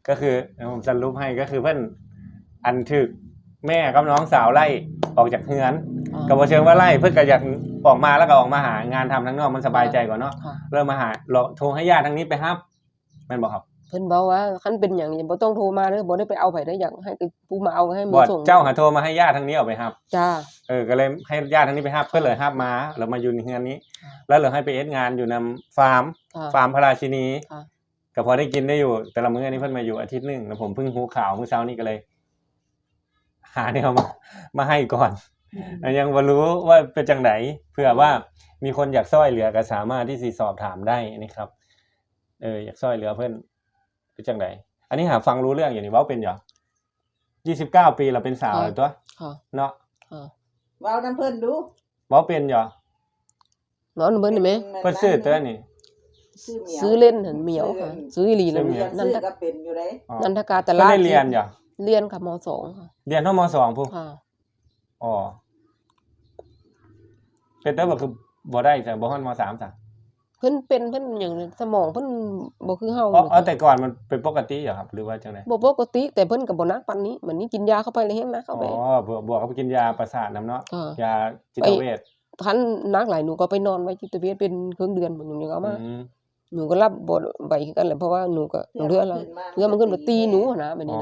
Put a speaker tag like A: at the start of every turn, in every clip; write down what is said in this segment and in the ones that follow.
A: ก็คือผมสรุปให้ก็คือเพื่อนอันถึกแม่กับน้องสาวไล่ออกจากเฮือนกับว่าเชิงว่าไล่เพื่อนก็อยากออกมาแล้วก็ออกมาหางานทำทั้งนอกมันสบายใจกว่าเนาะเริ่มมาหาโทรให้ญาติทั้งนี้ไปฮับแม่นบอกครับ
B: เพิ่นบอกว่าคันเป็นอย่างนี้บ่ต้องโทรมาเด้อบ่ได้ไปเอาไผได้อย่างให้ผู้มาเอาให้มื
A: อ
B: ส่ง
A: เจ้าหาโทรมาให้ญาติทั้งนี้ออกไปฮับ
B: จ้า
A: ก็เลยให้ญาติทั้งนี้ไปฮับเพื่อนเลยฮับมาแล้วมาอยู่ในเฮือนนี้แล้วเหลือให้ไปเอ็ดงานอยู่นำฟาร์มพระราชินีก็พอได้กินได้อยู่แต่ละมื้อนี้เพิ่นมาอยู่อาทิตย์นึงแล้วผมเพิ่งรู้ข่าวเมื่อเช้านี้ก็เลยหาเนี่ยมาให้ก่อนยังบ่รู้ว่าเป็นจังได๋เผื่อว่ามีคนอยากช่วยเหลือก็สามารถที่สิสอบถามได้นะครับอยากช่วยเหลือเพิ่นเป็นจังได๋อันนี้หาฟังรู้เรื่องอยู่นี่เว้าเป็นอยู่29ปีแล้วเป็นสาวแล้วตัวเนาะ
C: เว้านำเพิ่นดู
A: เว้าเป็นอยู่
B: เว้านำเพิ่นได้มั้ย
A: เพิ่นซื้อตัวนี่
B: ซื้อเล่นหั่นเหมียวค่ะซื้ออีหลีนั่น
C: นั่นก็เป็นอยู่ได้
B: นันทกาตลาด
A: ได้เรียนอยู่
B: เรียนค่ะม.2 ค่ะ
A: เรียนเท่าม.2พุ่น
B: ค่ะ
A: อ๋อเป็นแต่ว่าคือบ่ได้จ้ะบ่ฮอดม.3จ้ะ
B: เพิ่นหยังสมองเพิ่นบ่คือเฮา
A: แต่ก่อนมันเป็นปกติเหรอครับหรือว่าจังได๋
B: บ่ปกติแต่เพิ่นก็บ่หนักปานนี้มื้อนี้กินยาเข้าไปเลยแฮงหนักเข้าไป
A: บวกกับกินยาประสาทนำเนาะยาจิตเวช
B: คันหนักหลายหนูก็ไปนอนไว้จิตเวชเป็นครึ่งเดือนหนูยังเอามาหนูก็รับบ่ไหวคือกันแหละเพราะว่าหนูก็เรือมันขึ้นมาตีหนูนะแบบนี้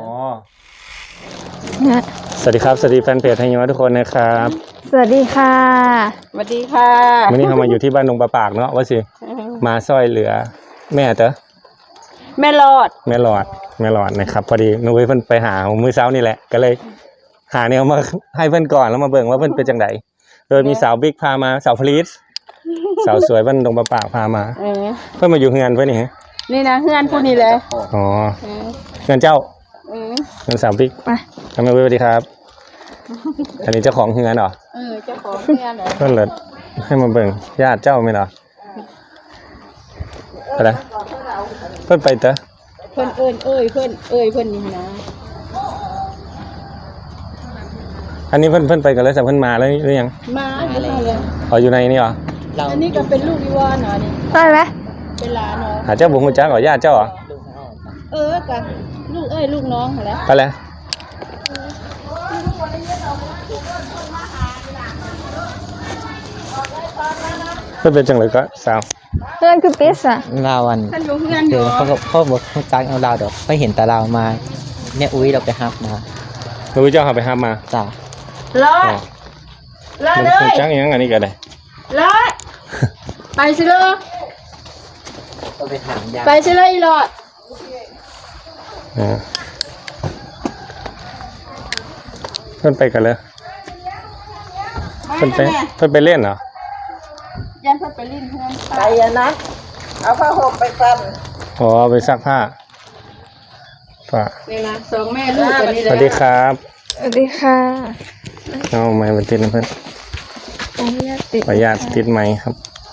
B: นะ
A: สวัสดีครับสวัสดีแฟนเพจไทยยทุกคนนะครับ
D: สวัสดีค่ะ
B: สวัสดีค่ะ
A: วันนี้เรามาอยู่ที่บ้านดงปลาปากเนาะว่าสิมาช่วยเหลือแม่เด้อ
B: แม่หลอด
A: นะครับพอดีนุ้ยเพิ่นไปหามื้อเช้านี่แหละก็เลยหาแนวมาให้เพิ่นก่อนแล้วมาเบิ่งว่าเพิ่นเป็นจังได๋โดยมีสาวบิ๊กพามาสาวพลีสสาวสวยบ้านดงปลาปากพามาเพิ่นมาอยู่เฮือนเพิ่นนี่
B: นี่นะเฮือนผู้นี้เลย
A: อ๋อเฮือนเจ้าเฮือนสาวบิ๊กทำไมสวัสดีครับอันนี้เจ้าของเฮือนเหรอ
B: เจ้าของเฮือนเหรอ
A: เพิ่นเลยให้มาเบิ่งญาติเจ้ามั้ยเหรออะไรเพิ่นไปเด้อ
B: เพิ่นเพิ่นนี่นะ
A: อันนี้เพิ่นไปกันแล้วแต่เพิ่นมาแล้วหรือยัง
B: มาเลย
A: อยู่ในนี่เหรอ
B: อันนี้ก็เป็นลูกอีวอนเหรอนี่
D: ใช่มั้ย
B: เป็นหลานเหรอ
A: หาเจ้าบ่ฮู้จักเหรอญาติเจ้าเหรอ
B: ก็ลูกน้องหั่นแหละ
A: ไปแล้วเพิ่นเป็นจังเลยก็สาว
D: เพื่อนคือปิสอ่ะ
E: ลาวันคือเขาบอกเขาจักเอาลาวดอกไปเห็นแต่ลาวมาเนี่ยอุ้ยเราไปฮับมา
A: อุ้ยเจ้าหาไปฮับมา
E: จ้ะ
B: รอเลย
A: จักยังอันนี้ก็ได้
B: รอไปสิเลย
E: ไปถามยา
B: ไปสิเลยอีหลอด
A: เพิ่นไปกันเลยเพิ่นไปเล่นเหรอ
B: ยันเพิ่นไปเล่นเพื่อน
C: ไปนะเอาผ้าห่มไปกัน
A: ไปซักผ้า
B: นี่นะสองแม่ลูกกันนี่เลย
A: สวัสดีครับ
D: สวัสดีค่ะ
A: เอาไม้มาติดนะเพื่อนขออนุญาตติดไม้ครับ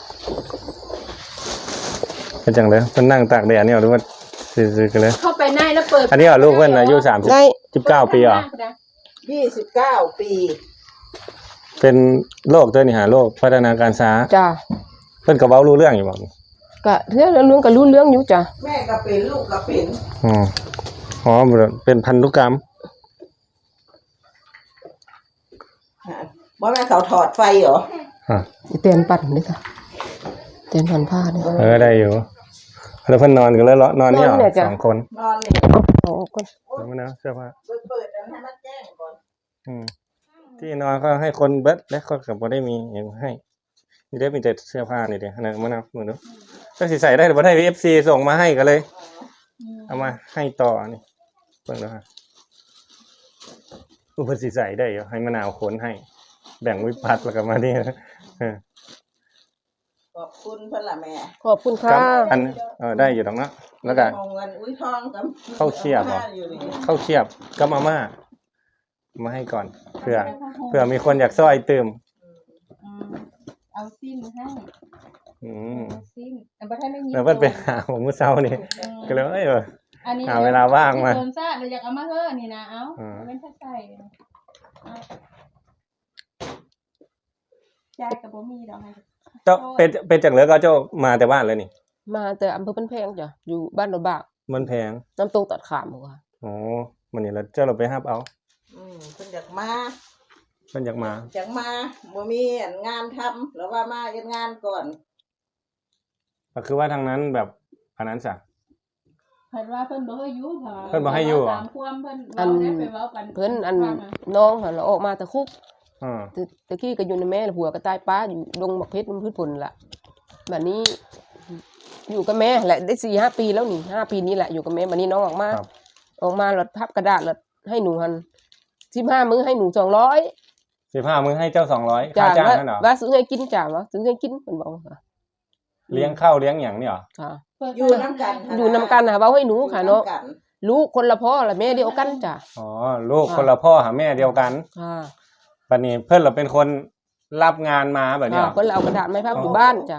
A: เป็นจังเลยเพื่อนนั่งตากแดดเนี่ยหรือว่าซื้อกันเลย
B: เข้าไปในแล้วเปิด
A: อันนี้เหรอลูกเพื่อนอายุ19 ปีเหรอ
C: 29 ปี
A: เป็นโรคตัวนี้โรคพัฒนาการช้า
B: จ้ะ
A: เพื่อนก็เว้ารู้เรื่องอยู่บ่
B: ก็เรื่องก็รู้เรื่องอยู่จ้ะ
C: แม่ก็เป็นลูกก็เป็น
A: เป็นพันธุกรรม
C: บ่แม่เขาถอดไฟเหรอ
B: เตียนปั่นนี่ค่ะเตียนผ่อนผ้านี่
A: ได้อยู่แล้วเพิ่นนอนกันแล้วนอนนี่เหรอ2 คน
C: นอนนี่
A: คนแล้วมันนะเสื้อผ้า
C: เปิดให้มันแจ้งก่อน
A: ที่นอนก็ให้คนเบิดและคนก็บ่ได้มีอย่างให้นี่ได้มีแต่เสื้อผ้านี่เด้นะมะนาวมื้อนู้นก็สิใส่ได้บ่ได้ FC ส่งมาให้ก็เลยเอามาให้ต่อนี่เบิ่งแล้วฮะเพิ่นสิใส่ได้อยู่ให้มะนาวขนให้แบ่งวิพัฒน์แล้วก็มานี่
C: ขอบคุณเพิ่นล่ะแม่
B: ขอบคุณค่ะ
A: อันได้อยู่ดอกเนาะแล้วก็
C: อุ้ยทองกับ
A: ข้าวเคียบกับมาม่ามาให้ก่อนเผื่อมีคนอยากซ้อยเติม
B: เอาซิ้นให้ซิ้น
A: บ่ทันได้ยินแล้วเพิ่นไปหาผมมื้อเช้านี่ก็เลยหาเวลาว่างมา
B: โดนซ่าเดี๋ยวอยากเอามาเฮ้อนี่นะเอาเป็นใส่ยายก็บ่มีดอกให้
A: เจ้าเป็นจังเหลือก็เจ้ามาแต่บ้านเลยนี่
B: มาแต่อำเภอบ้านแพงจ้ะอยู่บ้านดอนบาก
A: มันแพง
B: น้ำตกตัดขามบ่ค่ะ
A: อ๋อมันนี่แล้วเจ้าเราไปรับเอา
C: เพิ่นอยากมา
A: เพิ่นอยากมา
C: บ่มีอันงานทำแล้วว่ามาเฮ็ดงานก่อน
A: ก็คือว่าทางนั้นแบบอันนั้นซะ
F: เพิ่นว่าเพิ่นบ่ให้อยู่ค่ะ
A: เพิ่นบ่ให้อยู่เหรอ
F: ตามความเพิ่นเว้าได้ไปเว้ากัน
B: เพิ่นอันน้องหั่นเราออกมาแต่คุก
A: อ่า
B: ตะกี้ก็อยู่ในแม่ผัวก็ตายป้าอยู่ดงบักเพชรมันพืชผลล่ะบัดนี้ อยู่กับแม่แหละได้ 4-5 ปีแล้วนี่5 ปีนี้แหละอยู่กับแม่บัดนี้น้องออกมา
A: ครับ
B: ออกมาแล้วพับกระดาษแล้วให้หนูหั่น15มื้อให้หนู200
A: 15มื้อให้เจ้า200
B: จ้ะ
A: ค่าจ้าง
B: ว่า
A: นั่นเหรอ
B: ว่าซื้อให้กินจ้ะว่าซื้อให้กินเพิ่นบอกค่ะ
A: เลี้ยงข้าวเลี้ยงหยังนี่เหรอ
B: ค่ะ
C: อยู่นํกัน
B: อยู่นำกันค่ะเว้าให้หนูค่ะเนาะ
C: อยู่ำกั
B: ลูกคนละพ่อละแม่เดียวกันจ้ะ
A: อ๋อลูกคนละพ่อหาแม่เดียวกัน
B: ค่ะ
A: บัดนี้เพิ่นเราเป็นคนรับงานมาแบบนี้เหรอ
B: เพิ่นเอากระดาษไม้พับอยู่บ้านจ้ะ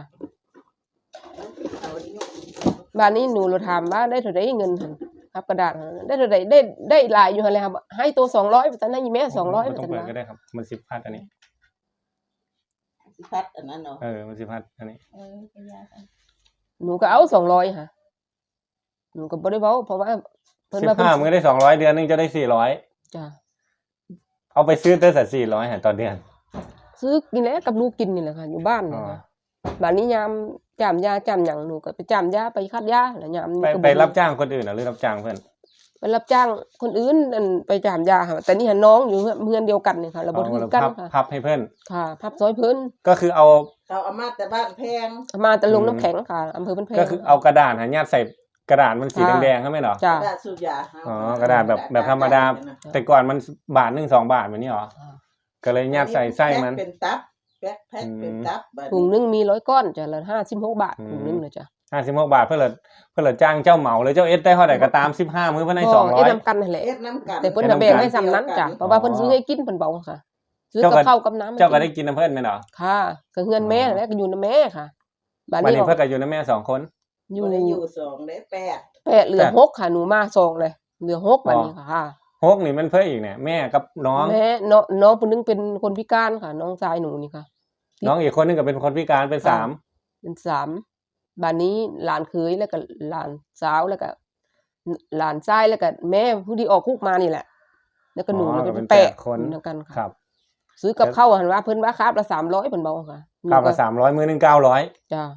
B: บ้านนี้หนูเราถามว่าได้เท่าใดเงินหั่นพับกระดาษหั่นได้เท่าใดได้หลายอยู่หั่นแหละครับให้ตัว200ว่าซั่นให้แม่200
A: ไม่
B: ว่า
A: ต้อง
B: ซั่น
A: เปิด
B: ว่า
A: ก็ได้ครับมันสิพัดอันนี้
C: สิพัดอันนั้นเนาะ
A: มันสิพัดอันนี้
F: เป็นยากัน
B: หนูก็เอา200ค่ะหนูก็บ่ได้เว้าเพราะว่าเพิ่นว่าเพิ่น
A: 15มื้อได้200เดือนนึงจะได้400
B: จ้ะ
A: เอาไปซื้อแต่400หาต่อเดือน
B: ซื้อกินแล้วกับลูกกินนี่แหละค่ะอยู่บ้านนี่
A: อ๋อ
B: ค่ะบ้านนี้ยามจ้ามยาจ้ามหยังหนูก็ไปจ้ามยาไปคัดยาแล้วยามนี้ก็
A: ไป
B: บ่มี
A: รับจ้างคนอื่นหรือรับจ้างเพิ่น
B: ไปรับจ้างคนอื่นนั่นไปจ้ามยาค่ะแต่นี่หันน้องอยู่เพื่อนเดียวกันนี่ค่ะเราบ่ถือกันค่ะ
A: พับให้เพิ่น
B: ค่ะพับซอยเพิ่น
A: ก็คือเอา
C: เขาเอามาแต่บ้านแพง
B: มาแต่ลงน้ำแข็งค่ะอำเภอบ้านแพง
A: ก็คือเอากระดาษหาญาติใส่กระดาษมันสี
B: ค่ะ
A: แดงๆใช่ไหมเหรอ
B: จ้ะ
C: กระดาษสูบยา
A: อ๋อกระดาษแบบธรรมดา แต่ก่อนมันบาท1 2 บาทแบบนี้เหรอ ก็เลยญาติใส่ไส้มัน
C: เป็นตับแพ็คเป็นตับบัด
B: ถุง
C: นี้
B: นึงมี100ก้อนจ้ะละ56 บาทถุงนึงเลยจ้ะ
A: 56 บาทเพื่อละจ้างเจ้าเหมาเลยเจ้าเอสได้เท่าไหร่ก็ตาม15มื้อเพิ่นให้
B: เอ็ด
A: 200
B: นำกันนั่นแหละ
C: เอ็ดน้ำกัน
B: แต่เพิ่นน่ะแบ่งให้ซ้ำนั้นจ้ะเพราะว่าเพิ่นซื้อให้กินเพิ่นบอกค่ะ ซื้อกับข้าวกับน้ำ
A: เจ้าก็ได้กินน้ำเพิ่นแม่นเหรอ
B: ค่ะก็เฮือนแม่นั่นแหละก็อยู่นำแม่ค่ะบ้าน
A: วัน
B: นี้
A: นี้เพิ่นก็อยู่นำแม่2คน
B: อยู่
C: บ่ได้อยู่2ได้8
B: 8เหลือ6ค่ะหนูมา2เลยเหลือ6บัดนี้ค่ะ
A: ฮกนี่มันเพิ่นอีกเนี่ยแม่กับน้อง
B: แม่น้องผู้นึงเป็นคนพิการค่ะ น้องชายหนูนี่ค่ะ
A: น้องอีกคนนึงก็เป็นคนพิการเป็น
B: ค่ะ เป็น3บ้านนี้หลานเคยแล้วก็หลานสาวแล้วก็หลานชายแล้วก็แม่ผู้ที่ออกคุกมานี่แหละ แล้วก็หนูแล้วก็เป็น8คนนำกัน
A: ครั
B: ค่ะ
A: บ
B: ซื้อกับข้าวหั่นว่าเพิ่นว่าครับละ300เพิ่นบอกค่ะหนู
A: ข้าว
B: ก็
A: ละ300มื้อนึง900
B: จ้า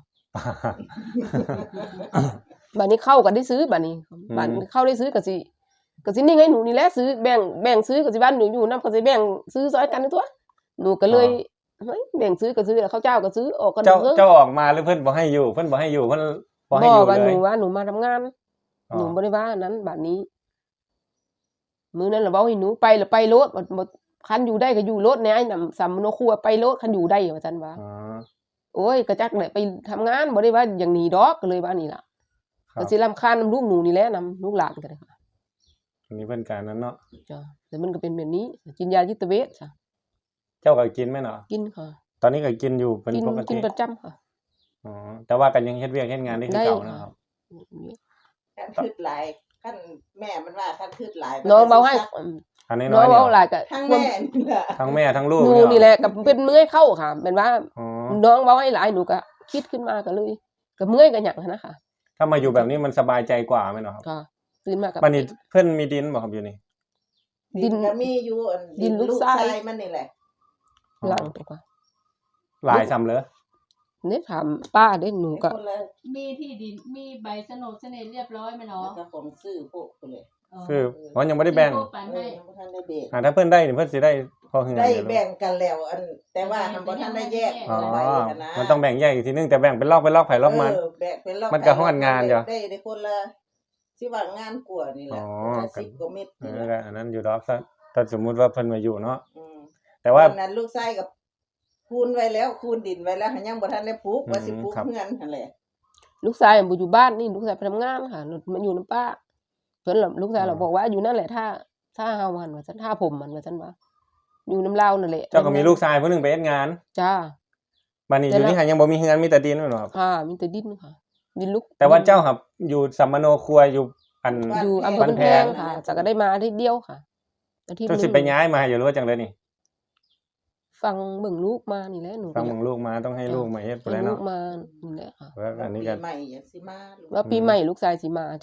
B: บ้านนี้เข้าก็ได้ซื้อบ้านนี้บ้านเข้าได้ซื้อก็สินิ่งให้หนูนี่แหละซื้อแบ่งซื้อก็สิบ้านหนูอยู่นำก็สิแบ่งซื้อซอยกันตัวหนูก็เลยเฮ้ยแบ่งซื้อก็ซื้อแล้วข้าวเจ้าก็ซื้อออกกัน
A: เจ้า
B: เด้อ
A: เจ้าออกมาหรือเพิ่นบ่ให้อยู่เพิ่นบ่ให้อยู่เพิ่นบ่ให้อยู่
B: ว่า
A: เล
B: ห
A: ย
B: นูว่าหนูมาทำงาน
A: อ๋อ
B: หนูบ่ได้ว่าอันนั้นบัดนี้ มื้อนั้นล่ะเว้าให้หนูไปแล้วไปโลดบ่คันอยู่ได้ก็อยู่โลดแหน่ไอ้นำสำโนครัวไปโลดคันอยู่ได้ว่าซั่นว่า
A: อ๋อ
B: โอ้ยก็จักได้ไปทำงานบ่ได้ว่าอย่างนี้ดอกก็เลยว่านี่ล่ะ
A: ครับ
B: ก็สิรำคาญนำลูกหนูนี่แหละนำลูกหลานก็ได้ค่ะ
A: อันนี้เพิ่นการนั้นเนาะ
B: จ้ะแต่มันก็เป็นแบบนี้กินยาจิตเวชจ้ะ
A: เจ้าก็กินไหมเนาะ
B: กินค่ะ
A: ตอนนี้ก็กินอยู่เป็น
B: กิน
A: ปก
B: กิ
A: ติ
B: นประจำค่ะ
A: อ๋อแต่ว่ากันยังเฮ็ดเวียกเฮ็ดงานได้คือ
B: ได้
A: เก่า
B: ค่ะ
A: นะครับ
C: คันคืดหลายคันแม่มันว่าคันคืดหลาย
B: น้องเว้าให้
A: อันนี้
B: น้
A: น้
B: อ
A: อง ย
B: เว้าห
A: เนี่ย
B: ลายก็
C: ทั้งแม่นี่แหละ
A: ทั้งแม่ทั้งลูก
B: หนูนี่แหละก็เป็นเมื่อยเข้าค่ะเป็นว่า
A: อ๋อ
B: น้องเว้าให้หลายหนูก็คิดขึ้นมาก็เลยก็เมื่อยก็หยังหันนะค่ะ
A: ถ้ามาอยู่แบบนี้มันสบายใจกว่าไหมเนาะครับ
B: ก็ตื่นมากับ
A: บัดนี้เพิ่นมีดินบ่ครับอยู่นี่
B: ดิน
C: ก็มีอยู่อัน
B: ดินลูกทราย
C: มันนี่แหละ
B: หลังตัวก็
A: หลายซ้ำเลย
B: เนี่ยถามป้าเด้หนูก็
C: คนละ
F: มีที่ดินมีใบโฉนดเสน่ห์เรียบร้อยไหม
C: แล้
F: เนาะ
C: วก็ของซื้อพวกคนเลย
A: คือเพราะยังบ่ได้แบ่ง
F: ที่พวกปันให้
C: ยังบ่ทันได้แบ่ง
A: ถ้าเพิ่นได้นี่เพิ่นสิได้พอเฮือน
C: ได้
A: อยู่
C: แบ่งกันแล้วอันแต่ว่าทำบ่ทันได้แยก
A: อ๋อ
C: ไว้หั้นะ
A: มันต้องแบ่งแยกอีกทีนึงแต่แบ่งเป็นรอบไผรอบมัน
C: แบ่งเป็นรอบ
A: มันก็ฮ้อนงานอยู่
C: ได้คนละสิว่างานกว่านี่แหละ
A: อ๋อ
C: คนละ10กว่าเม็ด
A: เอ
C: นี่
A: อ
C: แหละ
A: อันนั้นอยู่ดอกซะถ้าสมมุติว่าเพิ่นมาอยู่เนาะ
C: อืม
A: แต่ว่า
C: ตอนนั้นลูกชายกับคูณไว้แล้วคูณดินไว้แล้วหันยังบ่ทันได้ปลูกว่าสิปลูก
A: ครับ
C: เฮือนนั่นแหละ
B: ลูกชายบ่อยู่บ้านนี่ลูกชายไปทำงานค่ะมันอยู่นํป้าเพิ่นล่ะลูกชายเราบอกว่าอยู่นั่นแหละถ้าเฮามันว่าซั่นถ้าผมมันว่าซั่นว่าอยู่นํเรานั่นแหละ
A: เจ้าก็มีลูกชายผู้หนึงไปเฮ็ดงาน
B: จ้า
A: บัดนี้อยู่นี่หายังบ่มีเฮือนมีแต่ดินแม่นบ่ครับ
B: ค่ะมีแต่ดินค่ะดินลูก
A: แต่ว่าเจ้าครับอยู่สัมมโนครัวอยู่อัน
B: อยู่อำเภอ
A: บ้าน
B: บ้าน
A: แพ
B: แพ
A: ง
B: งค่ะจะก็ได้มาอาทิตย์เดียวค่ะอาทิตย์ห
A: เจ้า
B: นึ
A: สิ
B: ง
A: ไปย้ายมาอยู่หรือว่าจังได๋นี่
B: ฟังเบิ่งลูกมานี่แหละหนู
A: ฟังเบิ่งลูกมาต้องให้ลูกมาเฮ็ด
B: ให้
A: พุ่นแหละ
B: ลู
A: เนาะ
B: กมานี่แหละค่ะ
A: แล้วอันนี้ก็
C: ปีใหม่อยากสิมาลูก
B: ว่าปีใหม่ลูกชายสิมาจ้ะ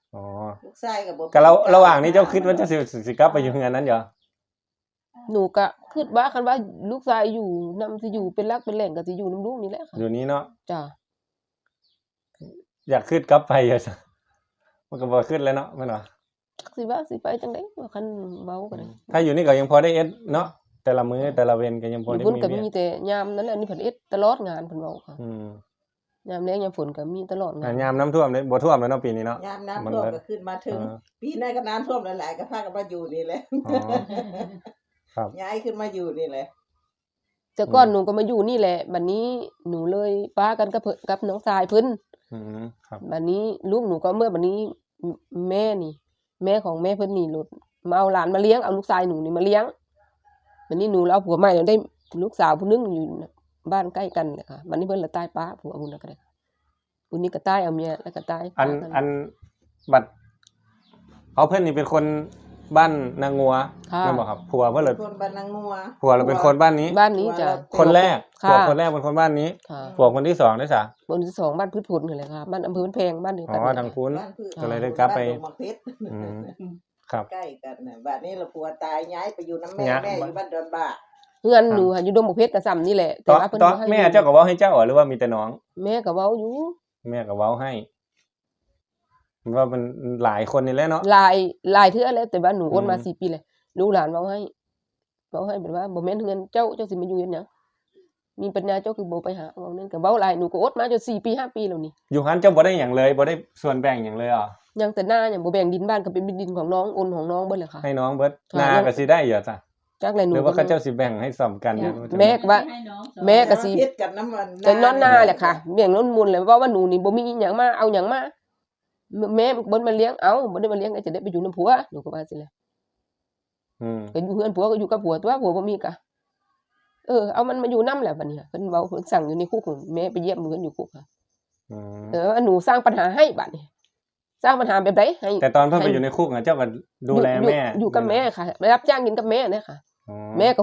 A: อ๋อ
C: ลูกชายก็บ่
A: ก็ระหว่างนี้เจ้าคิดว่าจะสิกลับไปอยู่เฮือนนั้นเหรอ
B: หนูก็คิดว่าคันว่าลูกชายอยู่นำสิอยู่เป็นหลักเป็นแหล่งก็สิอยู่นำลูกนี่แหละค่ะ
A: อยู่นี้เนาะ
B: จ้ะ
A: อยากขึ้นกลับไปเหรอมันก็บ่ขึ้นแล้วเนาะแม่นบ่
B: สิว่าสิไปจังได๋ว่าคันเว้าก็ได้
A: ถ้าอยู่นี่ก็ยังพอได้เอ็ดเนาะแต่ละมื้อแต่ละเวรก็ยังพอ
B: อยู่
A: ได้
B: เพิ่นก็
A: เวีย
B: มีแต่ยามนั้นแหละนี่เพิ่นเอ็ดตลอดงานเพิ่นเว้าค่ะ
A: อืม
B: ยามแล้งยามฝนก็มีตลอดงาน
A: ยามน้ำท่วมเลยบ่ท่วมแล้วเนาะปีนี้เนาะ
C: ยามน้ำท่วมก็ขึ้นมาถึง ปีหน้าก็น้ำท่วมหลายๆก็พากันมาอยู่นี่แหละ
A: อ๋อครับ
C: ย้ายขึ้นมาอยู่นี่แหละ
B: แต่ก่อนหนูก็มาอยู่นี่แหละบัดนี้หนูเลยป้ากันกับกับน้องชายเพิ่น
A: อืมครับ
B: บัดนี้ลูกหนูก็เมื่อบัดนี้แม่นี่ แม่ของแม่เพิ่นนี่หลุดมาเอาหลานมาเลี้ยงเอาลูกชายหนูนี่มาเลี้ยงบัดนี้หนูแล้วเอาผัวใหม่แล้วได้ลูกสาวผู้นึงอยู่บ้านใกล้กันเลยค่ะบัดนี้เพิ่นละตายป้าผัวพุ่นน่ะก็ได้ผู้นี้ก็ตายเอาเมียแล้วก็ตาย
A: อันบัดเอาเพิ่นนี่เป็นคนบ้านนางงัว
B: ค่ะ
A: แม่นบ่ครับผัวเพิ่นเลย
C: คนบ้านนางงัว
A: ผัวเราเป็นคนบ้านนี้
B: บ้านนี้จ้ะ
A: คนแรก
B: ค่ะ
A: ผัวคนแรกเป็นคนบ้านนี้
B: ค่ะ
A: ผัวคนที่สองได้ซะ
B: คนที่สองบ้านพืชผลนี่แหละค่ะบ้านอำเภอบ้านแพงบ้านเดียว
A: อ๋
B: กัน
A: อทางคุณ
C: บ้านพืช
A: ก็เลยได้กลับไป
C: านดงมะเพชร
A: อืมครับ
C: ใกล้กันน่ะบัดนี้เราผัวตายย้ายไปอยู่น้ำแม่
A: ย้าย
C: แม่อยู่บ้านดอนบ่า
B: เฮือนหนูค่ะอยู่ดงบกเพชรกระซำนี่แหละ
A: ตอน
B: ว่าเพิ่น
A: ตอน
B: บ่ให้
A: แม่เจ้าก็เว้าให้เจ้าหรือว่ามีแต่น้อง
B: แม่ก็เว้าอยู่
A: แม่ก็เว้าให้ว่ามันหลายคนนี่แหละเนาะ
B: หลายเทื่อแล้วแต่ว่าหนูโอนมา
A: อืม
B: 4 ปีเลยลูกหลานเว้าให้แบบว่าบ่แม่นเงินเจ้าสิมาอยู่เฮ็ดหยังมีปัญญาเจ้าคือบ่ไปหาเว้านั่นก็เว้าหลายหนูก็อดมาจน4 ปี 5 ปีแล้วนี่
A: อยู่หันเจ้าบ่ได้หยังเลยบ่ได้ส่วนแบ่งหยังเลยเหรอ
B: ยังแต่หน้ายังบ่แบ่งดินบ้านก็เป็นดินของน้องโอนของน้องเบิดเลยค่ะ
A: ให้น้องเบิด
B: ค่ะ
A: นาก็สิได้เหรอจ้ะ
B: จักแลหนู
A: หรือว่าเขาเจ้าสิแบ่งให้สมกันเนี่ย
B: แม่ก็ว่า
F: ให้น้องสอน
B: แม่ก็สิ
C: เพชรกับน้ำมัน
B: แต่นอนหน้าแหละค่ะเลี้ยงน้นมูลเลยว่าหนูนี่บ่มีหยังมาเอาหยังมาแม่บ่มาเลี้ยงเอาบ่ได้มาเลี้ยงก็จะได้ไปอยู่นำผัวหนูก็ว่าสิแหละ
A: อืม
B: ก็อยู่เฮือนผัวก็อยู่กับผัวตัวผัวบ่มีกะเอามันมาอยู่นำแหละบัดนี้เพิ่นเว้าเพิ่นสั่งอยู่ในคุกแม่ไปเยี่ยมเพิ่นอยู่คุกค่ะ
A: อืม
B: หนูสร้างปัญหาให้บัดนี้สร้างปัญหาแบบใดให้
A: แต่ตอนเพิ่นไปอยู่ในคุกน่ะเจ้าก็ดูแลแม่
B: อยู่กับแม่ค่ะไปรับจ้างกินกับแม่เนี่ยค่ะ
A: อ๋อ
B: แม่ก็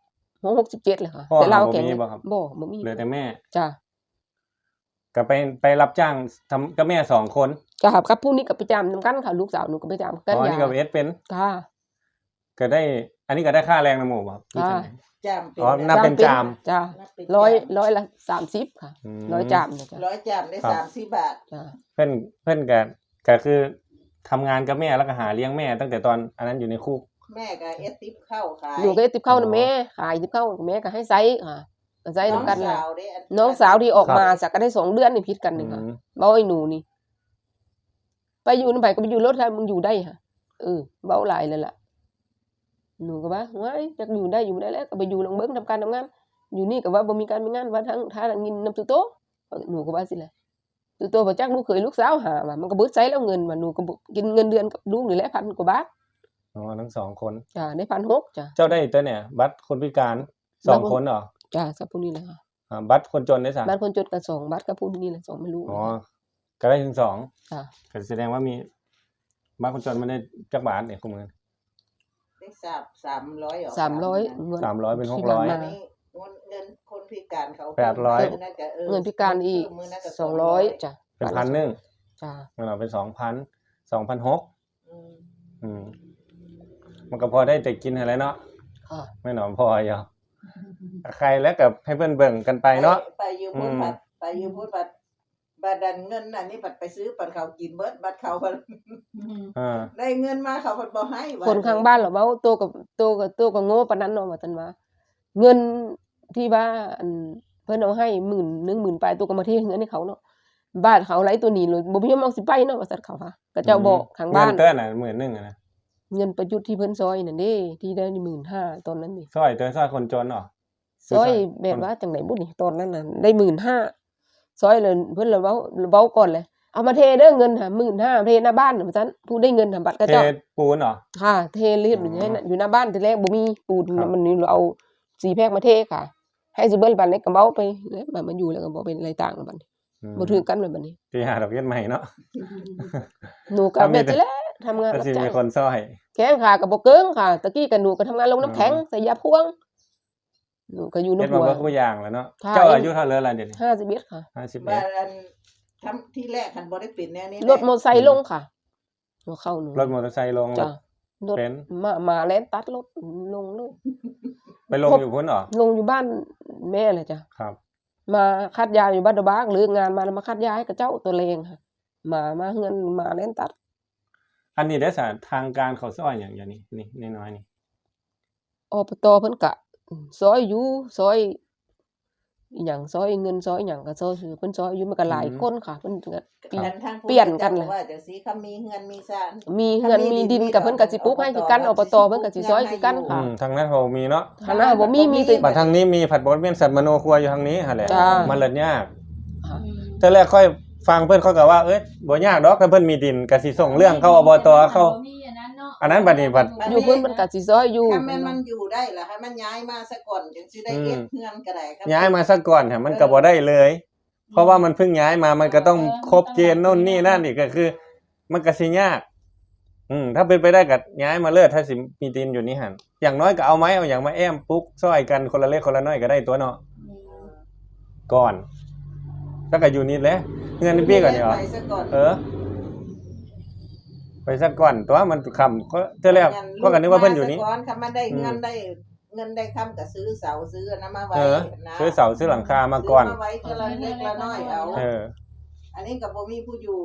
B: 67เลยค่ะ
A: พ่อ
B: แต่เรา
A: บ่
B: แข็ง
A: มีบ่ครับ
B: บ่มี
A: เหลือแต่แม่
B: จ้ะ
A: ก็ไปรับจ้างทำกับแม่สองคน
B: จ้ะครับผู้นี้ก็ไปจำนำกันค่ะลูกสาวหนูก็ไปจำกัน
A: อ๋อนี่ก็เอสเป็น
B: ค่ะ
A: ก็ได้ อันนี้ก็ได้ค่าแรงนำหมู่บ่ครับ
B: ค่ะ
C: จามเป็น
A: อ๋อนับเป็นจาม
B: จ้ะ
C: นับเป็น
B: ร้อยละ30ค่ะ
A: อืม
B: ร้อยจามเนี่ยจ้ะ
C: ร้อยจามได้
A: ครับ
C: 30 บาท
B: จ้ะ
A: เพิ่นก็คือทำงานกับแม่แล้วก็หาเลี้ยงแม่ตั้งแต่ตอนอันนั้นอยู่ในคุก
C: แม่ก็เอสติปเข้าขาย
B: หนูก็ได้ติบเข้านะแม่ขายติบเข้าแม่ก็ให้ไซส์ค่ะก็ไซส์
C: น้อง
B: นำกัน
C: สา
B: น่ะ
C: วเด้
B: น้องสาวที่ออก
A: ครับ
B: มาจากก็ได้2 เดือนนี่พิษกันนี่ค่ะ
A: อืม
B: เว้าไอ้หนูนี่ ไปอยู่นำไผก็ไปอยู่รถถ้ามึงอยู่ได้ค่ะเว้าหลายเลยล่ะหนูก็ว่าว้ายจักอยู่ได้อยู่บ่ได้แล้วก็ไปอยู่ลองเบิ่งทำการทำงาน อยู่นี่ก็ว่าบ่มีการมีงานว่าทั้งทางงินนำตุโตหนูก็ว่าสิแหละตุโตบ่จักลูกเขยลูกสาวหาว่ามันก็เบิดไสแล้วเงินว่าหนูก็บ่กินเงินเดือนกับลูกนี่แหละ1,000 กว่าบาท
A: อ๋อทั้งสองคน
B: จ้ะได้1,600จ้ะ
A: เจ้าได้ตัวเนี่ย บัตรคนพิการสองคนเหรอ
B: จ้ะกับผู้นี้แหละค่ะ
A: บัตรคนจนได้สาม
B: บ้านคนจนก็2บาทกับผู้นี้แหละ2ไม่รู้
A: อ๋อก็ได้ถึงสอง
B: จ้ะ
A: ก็แสดงว่ามีบัตรคนจนมันได้จักบาทเนี่ยคุณมือ
C: ได้300ออก
B: 300เงิน
A: 300เป็น
B: ที่
A: 600
B: ผ่านมา
C: อันนี้เงินคนพิการเขา
A: 800
C: มื้อนั้นก็
B: เงินพิการอีก
C: มื้อนั้นก็
B: 200จ้ะ
A: เป็น1,100
B: จ้ะ
A: มันเอาเป็น2,600
C: อืม
A: อืมมันก็พอได้แต่กินอะไรเนาะ
B: ค่ะ
A: ไม่หนอมพออยู่ใครแล้วกับให้เพื่อนเบิ่งกันไปเนาะ
C: ไปอยู่พูดบัดไปอยู่พูดบัดบัดดันเงินอันนี้บัดไปซื้อปันเขากินเบิดบัดเขาบัด
A: อ่า
C: ได้เงินมาเขาบัดบ่ให้บัด
B: คนข้างบ้านเหรอเว้าโตกับโง่ปานนั้นเนาะว่าซั่นว่าเงินที่ว่าอันเพิ่นเอาให้10,000 10,000ไปตัวก็มาเทเงินให้เขาเนาะบ้านเขาไหลตัวนี้เลยบ่มีเอาสิไปเนาะว่าซั่นเขาว่าก็เจ้าบอกข้างบ้าน
A: เงินเต้นน่ะ11,000อ่ะนะ
B: เงินประยุทธ์ที่เพิ่นซอยนั่นเด้ที่ได้15,000ตอนนั้นนี่
A: ซอยคนจนเหรอ
B: ซอยแบบว่าจังได๋บุนี่ตอนนั้นน่ะได้15,000ซอยเลยเพิ่นเลยเว้าก่อนเลยเอามาเทเด้อเงินค่ะ15,000เทหน้าบ้านว่าซั่นผู้ได้เงินน่ะบัตรก็
A: เท
B: เจ้า
A: ปูนเหรอ
B: ค่ะเทเรียบอยู่ให้อยู่หน้าบ้านทีแรกบ่มีปูน
A: ครับ
B: มันนี่เราเอา4แพ็คมาเทค่ะ ให้สิเบิดบัดนี้ก็เว้าไปแล้วบัดมันอยู่แล้วก็บ่เป็นอะไรต่างบัดนี้บ่ถือกันบัดนี้
A: ที่หาดอกเบี้ยใหม่เนาะ
B: หนูก็แบบนี้แหละทำงาน
A: ก็
B: รับ
A: สิ
B: จ้า
A: มี
B: ง
A: คนซอย
B: แข็งขาก็บ่เกิงค่ะตะกี้ก็หนูก็ทำงานลงน้ำแข็งใส่ยาพ่วงหนูก็อยู่
A: เฮ็ด
B: น้ำ
A: มา
B: หัว
A: เบิดทุกอย่างแล้วเนาะ
B: ค่ะ
A: เจ้าอายุเท่าไหร่ล่ะเดี๋ยวนี้
B: 51ค่ะ
C: บัด
A: 51
C: อันทำที่แรกคันบ่ได้เป็นแนวนี้
B: รถมอไซค์ลงค่ะหัวเข่าหนู
A: รถมอเตอร์ไซค์ลง
B: จ้ะรถ
A: เป็น
B: มาแล่นตัดรถลงเลย
A: ไปลงอยู่พุ่นเหรอ
B: ลงอยู่บ้านแม่เลยจ้ะ
A: ครับ
B: มาคัดยาอยู่บ้านดอกบากหรืองานมาแล้วมาคัดยาให้กับเจ้าตัวเลงค่ะมาเฮือนมาเล่นตัด
A: อันนี้ได้สารทางการเขาซอยอย่างนี้นี่น้อยๆนี่
B: อบตเพิ่นกะซอยอยู่ซอยอีหยังซอยเงินซอยหยังก็ซอยเพิ่นซอยอยู่มันก็หลายคนค่ะเพิ่นก็
C: กันทางผู้
B: เปลี่ยนกันเลย
C: ว่าจังซี่เขามีเฮือนมีซ่าน
B: มีเฮือนมีดินกับเพิ่นก็สิปลูกให้คือกันอบตเพิ่นก็สิซอยคือกันค่ะ
A: ทางนั้นเขามีเนาะ
B: ทางนั้นบ่มีแต่
A: บัดทางนี้มีผัดบดเวียนสัตว์มโนครัวอยู่ทางนี้หั่นแหละ
B: จ้า
A: มันเลยยาก
B: ค่ะ
A: เทื่อแรกค่อยฟังเพิ่นเขาก็ว่าเอ้ยบ่ยากดอกถ้าเพิ่นมีดินก็สิส่งเรื่องเข้าอบตเข้า
F: บ่มีอันนั้นเนาะ
A: อันนั้นบัดนี้บัด
B: อยู่เพิ่นก็สิซอยอยู่
C: ถ้าแม่นมันอยู่ได้ล่ะให้มันย้ายมาซะก่อนจังสิได้เก็บเฮือนก็ได้ครับ
A: ย้ายมาซะก่อนค่ะมันก็บ่ได้เลย เพราะว่ามันเพิ่งย้ายมามันก็ต้องครบเกณฑ์โน่นนี่นั่นอีกก็คือ มันก็สิยาก ถ้าเป็นไปได้ก็ย้ายมาเลิศถ้าสิมีดินอยู่นี่หั่นอย่างน้อยก็เอาไม้เอาอย่างมาแอมปุ๊กซอยกันคนละเล็กคนละน้อยก็ได้ตัวเนาะก่อนแล้วก็อยู่นี่แหละเงินพี่ก่อนนี่เหรอ
C: ไปซะก่อน
A: ไปสักก่อนตัวมันคำก็เท่าแรกก็กันนึกว่าเพิ่นอยู่นี่
C: มาซะก่อนค่ะมันได้เงินได้คำก็ซื้อเสาซื้ออันนั้นมาไว้นะ
A: ซื้อเสาซื้อหลังคามาก่อน
C: ซื้มาไว้ทีละเล็กละน้อยเอา อันนี้ก็บ่มีผู้อยู่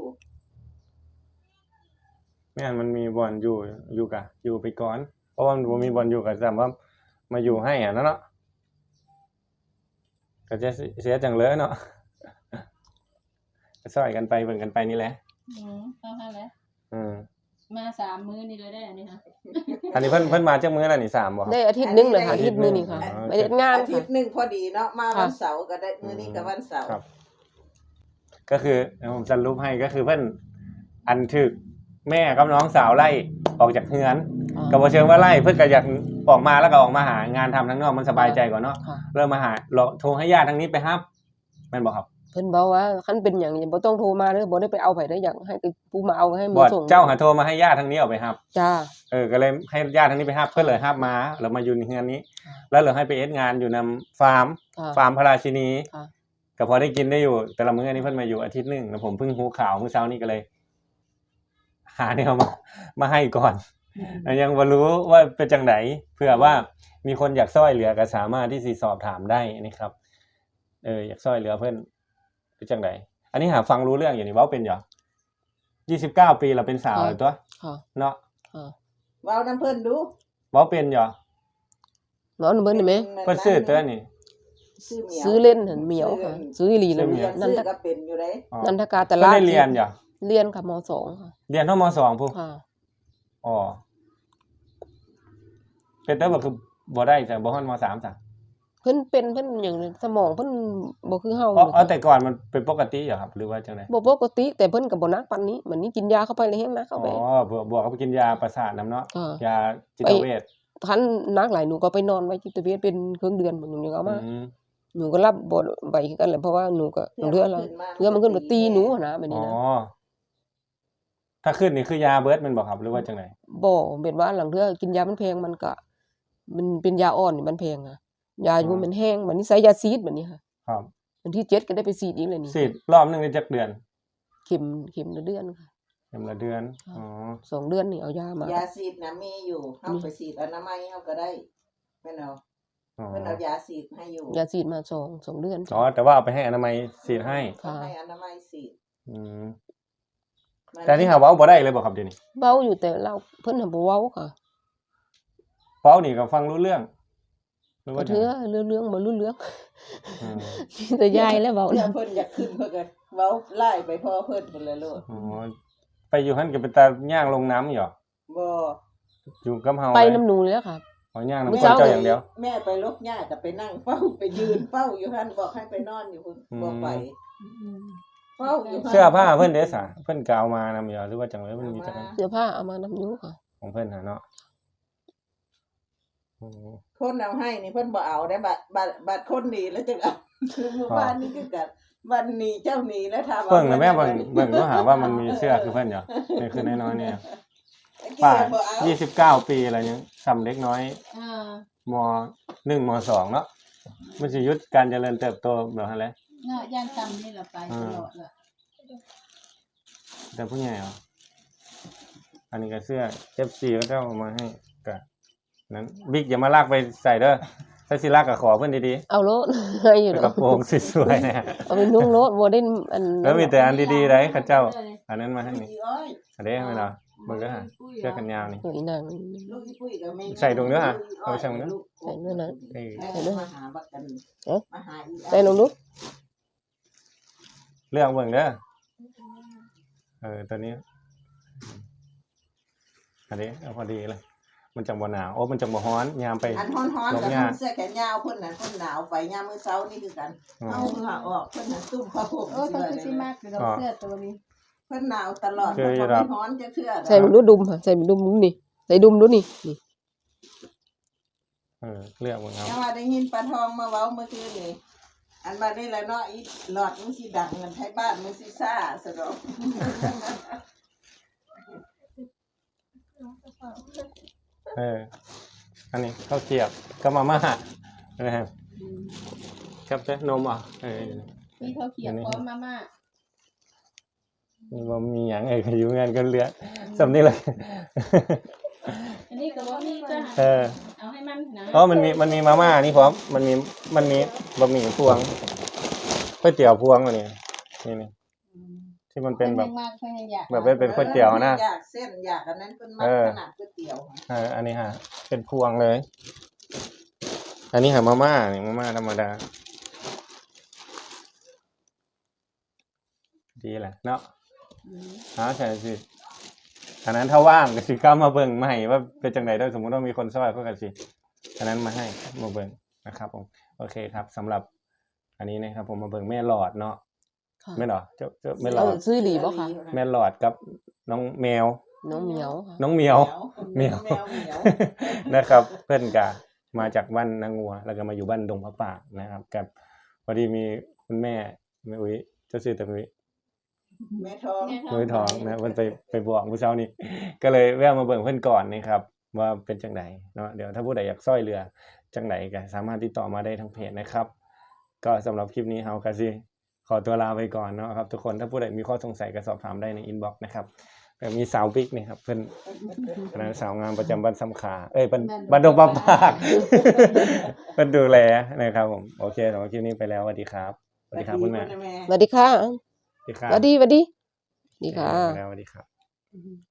A: แม่นมันมีบอลอยู่กะอยู่ไปก่อน เพราะว่ามันบ่มีบอลอยู่ก็จำว่ามาอยู่ให้อ่ะนั่นเนาะก็จะเสียจังเลยเนาะก็ซอยกันไปเบิ่งกันไปนี่แหละ
F: เข้าแล้ว มา3 มื้อนี่เลยได้อันนี้ค่ะ
A: อันนี้เพิ่นมาจักมื้อแล้วนี่3บ่ครับ
B: ได้อาทิตย์หนึงเลยค่ะอาทิตย์นึงนี่ค่ะ
A: อ๋อ
B: ไปเฮ็ดงาน
C: อาทิ
B: ค่ะ
C: ตย์หนึงพอดีเนาะมาวันเสาร์ก็ได้มื้อนี้ก็วันเสาร์
A: ครับ ก็คือผมสรุปให้ก็คือเพิ่นอันถึกแม่กับน้องสาวไล่ออกจากเฮือน ก็บ่เชิงว่าไล่เพิ่นก็อยากออกมาแล้วก็ออกมาหางานทำทางนอกมันสบายใจกว่าเนาะ
B: ค่ะ
A: เริ่มมาหาโทรให้ญาติทางนี้ไปรับแม่นบ่ครับ
B: เพิ่นบอกว่าคันเป็นหยังอย่าบ่ต้องโทรมาเด้อบ่ได้ไปเอาไผได้อยากให้ผู้มาเอาให้มื
A: บ่
B: อส่ง
A: เจ้าหาโทรมาให้ญาติทางนี้เอาไปรับ
B: จ้า
A: ก็เลยให้ญาติทางนี้ไปรับเพิ่นเลยรับมาแล้วมาอยู่ในเฮือนนี้ แล้วเหลือให้ไปเอ็ดงานอยู่นำฟาร์ม
B: ค่ะ
A: ฟาร์มพระราชินี
B: ค่ะ
A: ก็พอได้กินได้อยู่ แต่ละมื้ออันนี้เพิ่นมาอยู่อาทิตย์หนึงแล้วผมเพิ่งรู้ข่าวมื้อเช้านี้ก็เลย หาแนวมาให้ก่อนยังบ่รู้ว่าเป็นจังไดเผื่อว่ามีคนอยากช่วยเหลือก็สามารถที่สิสอบถามได้นะครับ อยากช่วยเหลือเพิ่นเป็นจังไดอันนี้หาฟังรู้เรื่องอยู่นี่เว้าเป็นหยัง29 ปีแล้วเป็นสาวแล้วตัว
B: ค่ะ
A: เนาะ
B: ค่ะ
C: เว้านํเพิ่นดู
A: เว้าเป็นหยัง
B: เนาะเบิ่นได้ไหม
A: เพิ่นซื้อตัวนี่
B: ซื้อเล่นหั่นเหมียวค่ะ ซื้ออีหลี
A: ซื้
B: นั่
A: อน เหมียว
B: นั
C: นั่
B: น
C: น
B: ท
C: ก็เป็นอยู่เด้
A: อ๋อ
B: นันทกาต
A: เพิ่น
B: ลาด
A: ได้เรียนหยัง
B: เรียนค่ะม2ค่ะ
A: เรียนเท่าม .2 พุ่น
B: ค่ะ
A: อ๋อเป็นแต่ว่าคือบ่ได้จ้ะบ่ฮอดม.3 จ้ะ
B: เพิ่นเป็นหยังสมองเพิ่นบ่คือเฮา
A: อ๋อแต่ก่อนมันเป็นปกติเหรอครับ หรือว่าจังได๋
B: บ่ปกติแต่เพิ่นก็บ่หนักปานนี้มันนี้กินยาเข้าไปเลยแฮงหนักเข้า
A: อ๋
B: ไป
A: อบวกกับกินยาประสาทนํเนาะ
B: ค่ะ
A: ยาจิตเวช
B: คันหนักหลายหนูก็ไปนอนไว้จิตเวชเป็นครึ่งเดือนหนูยังเอามา
A: อืม
B: หนูก็รับบ่ไหวคือกันแหละเพราะว่าหนูก็เรือมันขึ้นมาตีหนูหั้นนะแบบ
A: อ๋
B: นี้
A: อ
B: นะ
A: ถ้าขึ้นนี่คือยาเบิดแม่นบ่ครับหรือว่าจังได๋
B: บ่เป็นว่าหลังเทื่อกินยามันแพงมันก็มันเป็นยาอ่อนนี่มันแพงอะยาอยู่มันแห้งบัดนี้ใช้ยาซีดบัดนี้ค่ะ
A: ครับ
B: วันที่7ก็ได้ไปซีดอีกเลยนี่
A: ฉีดรอบหนึงได้จักเดือน
B: เข็มละเดือนค่ะ
A: เข็มละเดือน อ๋อ
B: 2 เดือนนี่เอายามาย
C: าฉีดน่ะมีอยู่เฮาไปฉีดอนามัยเฮาก็ได้แม่นเอา
A: อ๋อ
C: เพิ่นเอายาฉีดให้อยู่
B: ยาซีดมา2เดือน
A: อ๋อแต่ว่าเอาไปให้อนามัยฉีดให้
B: ค่ะ
C: ให้อนามัยฉีด
A: อืมแต่นี่หาเว้าบ่ได้เลยบ่ครับเดี๋ยวนี้
B: เว้าอยู่แต่เราเพิ่นน่ะบ่เว้าค่ะ
A: เว้านี่ก็ฟังรู้เรื่องหรือ
B: ก็
A: ว่าจัง
B: เทื่อ
A: ได๋
B: เรื่องบ่รู้เรื่อง
A: อืม
B: มีแต่ยายแล้วเว้า
C: แล้
B: นะ
C: วเพิ่นอยากขึ้นเพิ่นก็เว้าไล่ไปพ่อเพิ่นพุ่นละโลด
A: อ๋อไปอยู่หั่นก็เป็นตาย่างลงน้ำอยู่
C: บ่
A: อยู่กับเฮา
B: ไป
A: เลย
B: น้ำหนูเลยค่ะ
A: อ๋อย่างน้ำ
B: มื้อ
A: คน
B: เช้า
A: เจ้าอย่างเดียว
C: แม่ไปลกหญ้าก็ไปนั่งเฝ้าไปยืนเฝ้าอยู่หั่นบอกให้ไปนอนอยู่พุ่นบ่ไปเฝ้าอยู่หั่น
A: เสื้อผ้าเพิ่นเด้ซะเพิ่นก็เอามานำอยู่หรือว่าจังได๋เพิ่นมีจักอัน
B: เสื้อผ้าเอามานำอยู่ค่ะ
A: ของเพิ่นน่ะเนาะโอ้
C: คนเอาให้นี่เพิ่นบ่เอาได้บัดคนหนีแล้วจังเอาคือเมื่อวานนี้คือกันวันนี้เจ้าหนีแล้วถาม
A: เบิ่งน่ะแม่เบิ่งดูหาว่ามันมีเสื้อคือเพิ่นอยู่นี่คือน้อยๆเนี่ยป้า29 ปีแล้วยังซ้ำเล็กน้อย ม1ม2เนาะมันสิหยุดการเจริญเติบโตแบบนั้นแหละ
F: เนาะย่างตำนี่ล่ะไปตลอดล่ะ
A: แต่ผู้ใหญ่เหรออันนี้ก็เสื้อ FC ก็เจ้าเอามาให้ก็นั้นบิ๊กอย่ามาลากไปใส่เด้อถ้าสิลากก็ขอเพิ่นดี
B: เอาโลดให้อยู่
A: ๆ
B: ด
A: ก
B: อ
A: ระ
B: ก
A: โปรงสวยๆนะ
B: เอาไปนุ่งโลดบ่ได้อัน
A: แล้วมีแต่อันดีๆได้ข้าเจ้า อันนั้นมาให้นี่
C: อีอ้อย
A: อันนี้ให้ไหมเนาะเบิ่งเด้อฮะเสื้อกันยาวนี่
B: โอ้ยนาง
C: ลูกอีปุ้ยก็ไม่
A: ใส่ตรงเนื้อเอาไปใส่ตรงเนื้อ
B: ใส่ด้วยนะ
A: เอ้ย
C: ใส่ด้วยมาหาบักกัน
B: เอ๊ะ
C: มาหาอี
B: ใส่ลงดู
A: เลือกเบิ่งเด้อตัวนี้อันนี้เอาพอดีเลย มันจังบ่หนาวโอ้มันจังบ่ร้อนยามไป
C: อันฮ้อนๆกับ
A: ลงยา
C: เสื้อแขนยาวเพิ่นน่ะเพิ่นหนาวไปยามมื้อเช้านี่คือกันเอาเหงื่อออกเพิ่นน่ะตุ้มผ้าห่ม
F: โอ้ย
C: เสื้
F: เขา
C: อ
F: คือ
C: เลย
F: สิมากเดี๋ยวเสื้อตัวนี้
C: เพิ่นหนาวตลอด
A: เจอ
C: เพิ่น
A: อยู่
C: บ่
A: ดอก
C: มีฮ้อนจะเชื่อ
B: ใส่มันดูดุมค่ะใส่มันดุมดูนี่ใส่ดุมดูนี่นี่
A: เลือกเบิ่งเอา
C: แต่ว่าได้ยินปลาทองมาเว้าเมื่อคืนนี่อันมาได้แล้วเนาะอีหลอดมันสิดังกันไทยบ้านมันสิซ่าซะดอก
A: อันนี้ข้าวเกรียบก็มาม่านะครับครับเจ้านมอ่ะ
F: มีข้าวเขียวพร้อมมาม่า
A: นี่บ่มีหยังอยู่งานกันเหลือสำนี้เลย
F: อันนี้ก็บ่มีก็ เอาให้มันนะ
A: อ๋อมันมีมาม่านี่พร้อมมันมีบะหมี่พวงก๋วยเตี๋ยวพวงอันนี้นี่ที่มันเป็นแบบ
F: มากเพิ่นยังอยาก
A: แบบเป็นก๋วยเตี๋ยวนะ
C: อยากเส้นอยากอันนั้นเพิ่นมักขนาดก๋วยเตี๋ยว
A: อันนี้ฮะเป็นพวงเลย อันนี้หามาม่านี่มาม่าธรรมดาดีแหละเนาะใช่สิอันนั้นถ้าว่างก็สิกล้ามาเบิ่งมาให้ว่าเป็นจังได๋ได้สมมุติว่ามีคนซอยก็สิอันนั้นมาให้มาเบิ่งนะครับผมโอเคครับสำหรับอันนี้นะครับผมมาเบิ่งแม่หลอดเนาะแม่หลอดเจ้าแม่หลอด
B: ซื้อหลีบ่ค่ะ
A: แม่หลอดกับน้องแมว
B: น้องเหมียวค่ะ
A: น้องเหมียว
C: เหมียว
A: นะครับเพื่อนกะมาจากบ้านนางงัวแล้วก็มาอยู่บ้านดงพระป่านะครับกับพอดีมีคุณแม่อุ้ยเจ้าชื่อแต่อุ้ย
C: แม่ทอง
A: มือทองนะเพิ่นไปบอกมื้อเช้านี้ ก็เลยแวะมาเบิ่งเพิ่นก่อนนะครับว่าเป็นจังไดเนาะเดี๋ยวถ้าผู้ใดอยากช่วยเหลือจังไดก็สามารถติดต่อมาได้ทางเพจนะครับ ก็สำหรับคลิปนี้เฮาก็สิขอตัวลาไปก่อนเนาะครับทุกคนถ้าผู้ใดมีข้อสงสัยก็สอบถามได้ในอินบ็อกซ์นะครับก็มีสาวบิ๊กนี่ครับเพิ่นคณะสาวงามประจำบ้านสำขาบ้านดงปะปากเพิ่นดูแลนะครับผมโอเคสำหรับคลิปนี้ไปแล้วสวัสดีครับสวัสดีครับคุณแม่
B: สวัสดีค่ะ
A: สวัสดีครับ
B: สวัสดีดีค่ะ
A: ไปแล้วสวัสดีครับ